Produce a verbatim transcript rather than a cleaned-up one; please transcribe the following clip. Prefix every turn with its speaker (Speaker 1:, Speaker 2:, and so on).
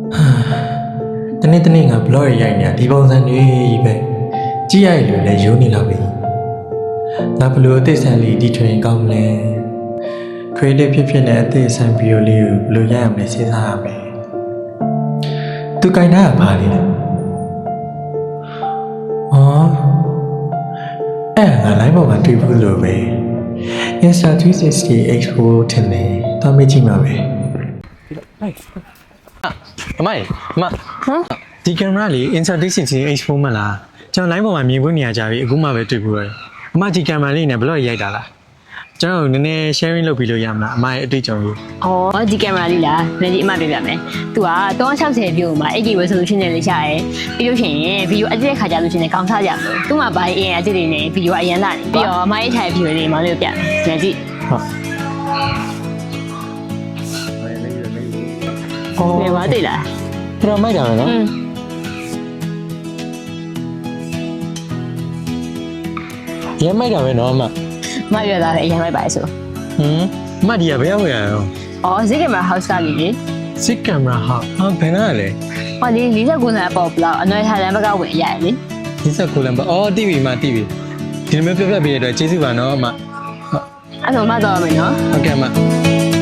Speaker 1: တနေ့တနေ့ငါဘလော့ရရိုက်နေတာဒီပုံစံတွေပဲကြည့်ရည်လို့လည်းယုံနေလာပြီငါဘလို့အသေးစံလေးဒီထွင်ကောင်းလဲ creative ဖြစ်ဖြစ်နဲ့အသေးစံဗီဒီယိုလေးကိုဘလို့ရိုက်ရမလဲစဉ်းစားရမယ်သူကင်တာကဘာလဲလဲအော်အဲ့ငါ line ပေါ်မှာတွေ့ဘူးလို့ပဲ Insta three sixty Expo ထင်တယ်တော့မေ့ကြည့်မှာပဲအမိုင်အမဟမ်ဒီကင်မရာလေး Insta three sixty Expo မလားကျွန်တော် line ပေါ်မှာမြင်ခွင့်နေရကြပြီအခုမှပဲတွေ့ဘူးရတယ်အမဒီကင်မရာလေးနဲ့ဘယ်လိုရိုက်တာလားကျွန်တော်နည်းနည်း sharing လုပ်ပြီးလို့ရမလားအမရဲ့အတွေ့အကြုံလေး
Speaker 2: အော်ဒီကင်မရာလေးလားနည်းကြီးအမပြပြမယ်သူကthree sixtyပြို့မှာ eight K resolution နဲ့လေးရှာရဲပြီးလို့ရှိရင်ဗီဒီယိုအကြည့်တဲ့ခါကြလို့ရှိရင်ကောင်းစားကြမလို့သူ့မှာဘာအရင်အကြည့်တွေနဲ့ဗီဒီယိုအရင်လာနေပြီးတော့အမရဲ့ထိုင်ဗီဒီယိုလေးမောင်လေးကိုပြမယ်နည်းကြီးဟုတ်အော်ဘယ်မှာတွေ့လား
Speaker 1: ပြတော့မိုက်တာပဲနော်ရမ်းမိုက်တာပဲနော်အမ
Speaker 2: မရတာလည်းအရင်လိုက်ပါဆို
Speaker 1: ဟမ်အမဒီကဘယ်ရောက်ရအောင်
Speaker 2: အော်ဇစ်ကင်မရာ house ကလေးလေ
Speaker 1: စစ်ကင်မရာဟာဟာဘယ်နာလဲ
Speaker 2: ဟောဒီforty-nineလမ်းပေါ့ဘလောက်အနွယ်ထားလမ်းဘက်ကဝင်ရရလေ
Speaker 1: forty-nineလမ်းပေါ့အော်တီးပြီမတီးပြီဒီလိုမျိုးပြပြပေးရတဲ့ကျေးဇူးပါနော်အမ
Speaker 2: အဲ့တော့မတော်မယ်နော်
Speaker 1: ဟုတ်ကဲ့အမ